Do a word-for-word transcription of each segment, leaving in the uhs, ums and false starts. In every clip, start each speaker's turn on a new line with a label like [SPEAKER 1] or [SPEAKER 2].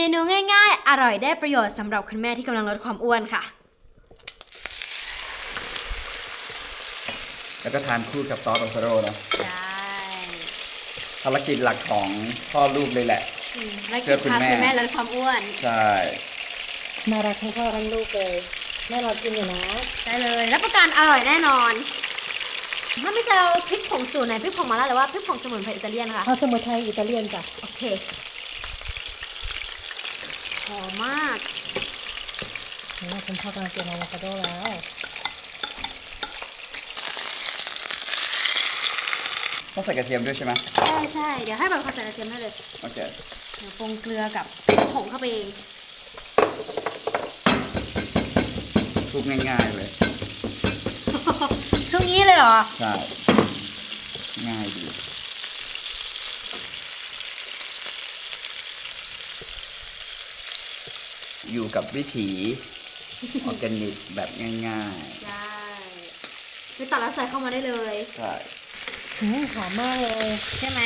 [SPEAKER 1] นูง่ายๆอร่อยได้ประโยชน์สำหรับคุณแม่ที่กำลังลดความอ้วนค่ะ
[SPEAKER 2] แล้วก็ทานคู่กับซอสโอโทโร่เนาะ
[SPEAKER 1] ใช่
[SPEAKER 2] ภารกิจหลักของพ่อลูกเลยแหละ
[SPEAKER 1] ภารกิจพาคุณแม่ลดความอ้วน
[SPEAKER 2] ใช่
[SPEAKER 3] น่ารักทั้งพ่อทั้งลูกเลยแม่เรากินอยู่นะ
[SPEAKER 1] ได้เลยรับประกันอร่อยแน่นอนถ้าไม่จะเอาพริกผงสูตรไหนพริกผงมาล่าหรือว่าพริกผงสมุนไพรอิตาเลียนค่ะ
[SPEAKER 3] เอาสมุนไพรอิตาเลียนจ้ะ
[SPEAKER 1] โอเคหอมมาก
[SPEAKER 3] นี่คุณพ่อกำลังกินอะโวคาโดแล้ว
[SPEAKER 2] ต้องใส่กระเทียมด้วยใช่ไหม
[SPEAKER 1] ใช่ใช่เดี๋ยวให้แบบเขาใส่กระเทียมให้เลย
[SPEAKER 2] โอเค
[SPEAKER 1] เดี๋ยวปรุงเกลือกับผงเข้าไปเอง
[SPEAKER 2] ทุกง่ายๆเลย
[SPEAKER 1] ทุกนี้เลยเหรอ
[SPEAKER 2] ใช่ง่ายดีอยู่กับวิถีออร์แกนิกแบบง่าย
[SPEAKER 1] ๆใช่ไปตัดแล้วใส่เข้ามาได้เลย
[SPEAKER 2] ใช่
[SPEAKER 3] หอมมากเลย
[SPEAKER 1] ใช่ไหม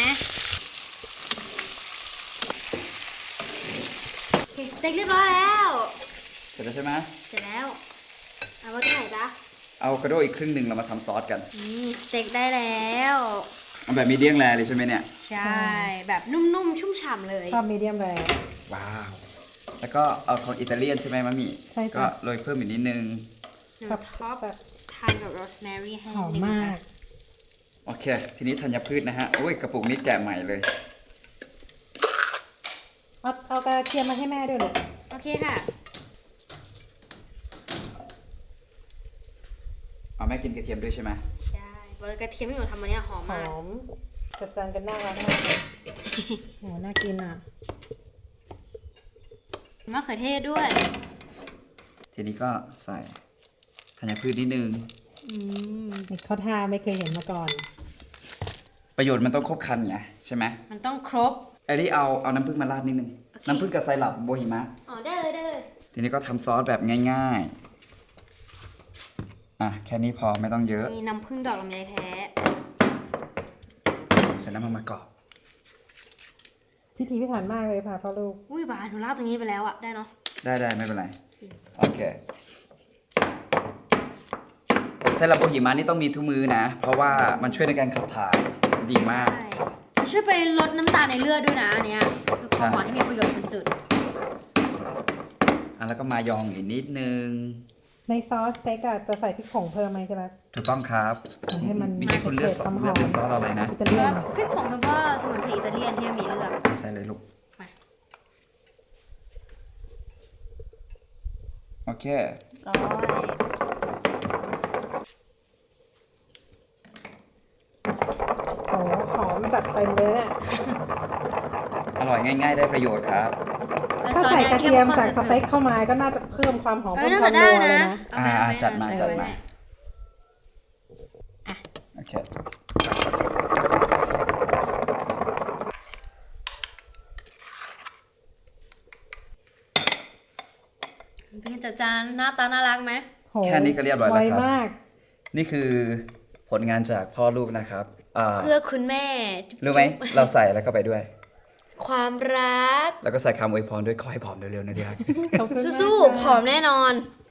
[SPEAKER 1] โอเคสเต็กเรียบร้อยแล้ว
[SPEAKER 2] เสร็จแล้วใช่ไหม
[SPEAKER 1] เสร็จแล้วเอาไว้ที่ไหนจ๊ะ
[SPEAKER 2] เอาอะโวคาโดอีกครึ่งหนึ่งเรามาทำซอสกัน
[SPEAKER 1] นี่สเต็กได้แล้ว
[SPEAKER 2] เอาแบบมีเดียมแรร์เลยใช่ไหมเนี่ย
[SPEAKER 1] ใช่แบบนุ่มๆชุ่มฉ่ำเลย
[SPEAKER 3] ชอบมีเดียมแรร์
[SPEAKER 2] ว้าวแล้วก็เอาของอิตาเลียนใช่ไหมมะหมี่
[SPEAKER 3] ใช่
[SPEAKER 2] ก็โรยเพิ่มอีกนิดนึง
[SPEAKER 1] ท็อปทานกับโรสแมรี่ให้
[SPEAKER 3] หอมมาก
[SPEAKER 2] โอเคทีนี้ธัญพืชนะฮะโอ้ยกระปุกนี้แกะใหม่เลย
[SPEAKER 3] เอาเอากระเทียมมาให้แม่ด้วยเลย
[SPEAKER 1] โอเคค่ะ
[SPEAKER 2] เอาแม่กินกระเทียมด้วยใช่ไหม
[SPEAKER 1] ใช่บริกระเทียมที่หนูทำมาเนี่ยหอมมาก
[SPEAKER 3] หอมจัดจานกันน่ารักมากเลยโหน่ากินอ่ะ
[SPEAKER 1] มะเขือเทศด้วย
[SPEAKER 2] ทีนี้ก็ใส่ธัญพืชนิดนึง
[SPEAKER 3] อืมเขาทาไม่เคยเห็นมาก่อน
[SPEAKER 2] ประโยชน์มันต้องครบครันไงใช่ไหม
[SPEAKER 1] มันต้องครบ
[SPEAKER 2] ไอ้นี่เอาเอาน้ำผึ้งมาราดนิดนึง okay. น้ำผึ้งกับไซรัปโบฮิมะ
[SPEAKER 1] อ๋อได้เลยได้เลย
[SPEAKER 2] ทีนี้ก็ทำซอสแบบง่ายๆอ่ะแค่นี้พอไม่ต้องเยอะ
[SPEAKER 1] มีน้ำผึ้งดอกลำไยแท้
[SPEAKER 2] เสร็จแล้วมามากรอบ
[SPEAKER 3] พิธีพิถันมากเลยค่ะพ่อลูก
[SPEAKER 1] อุ้ยบาหนูลาดตรงนี้ไปแล้วอะได้เนาะ
[SPEAKER 2] ได้ได้ไม่เป็นไรโอเคไซรัปโบฮิมะนี่ต้องมีทุกมือนะเพราะว่ามันช่วยในการขับถ่ายดีมาก
[SPEAKER 1] ช่วยไปลดน้ำตาลในเลือดด้วยนะอันเนี้ยคือของหวานที่มีประโยชน์สุด
[SPEAKER 2] ๆอ่ะแล้วก็มายองอีกนิดนึง
[SPEAKER 3] ในซอสสเต็กอะจะใส่พริกผงเพิ่มไหมใช่ไหม
[SPEAKER 2] ถูกต้องครับ
[SPEAKER 3] ให้มัน
[SPEAKER 2] มีคนเลือกซอสเลือกเป็นซอสอะไรนะ
[SPEAKER 1] ซอสพริกผงคือว่าสมุนไพรอิตาเลียนที่มีเลือก
[SPEAKER 2] ใส่เลยลูกโอเค
[SPEAKER 1] ร้อย
[SPEAKER 3] โอ้หอมจัดเต็มเลยเนี่ย
[SPEAKER 2] อร่อยง่ายๆได้ประโยชน์ครับ
[SPEAKER 3] ถ้าใส่กระเทียมจากสเต็กเข้ามาก็น่าจะเพิ่มความหอมเพิ่มความนัวเลยนะ
[SPEAKER 2] อ่าจัดมาจัดมาโอเค
[SPEAKER 1] เป็นจัดจานหน้าตาน่ารักไหม
[SPEAKER 2] แค่นี้ก็เรียบร้อยแล้วครับนี่คือผลงานจากพ่อลูกนะครับ
[SPEAKER 1] เพื่อคุณแม่
[SPEAKER 2] รู้ไหมเราใส่แล้วก็ไปด้วย
[SPEAKER 1] ความรัก
[SPEAKER 2] แล้วก็ใส่คำอวยพรด้วยขอให้ผอมเร็วๆนะที่รัก
[SPEAKER 1] สู้ๆผอมแน่นอน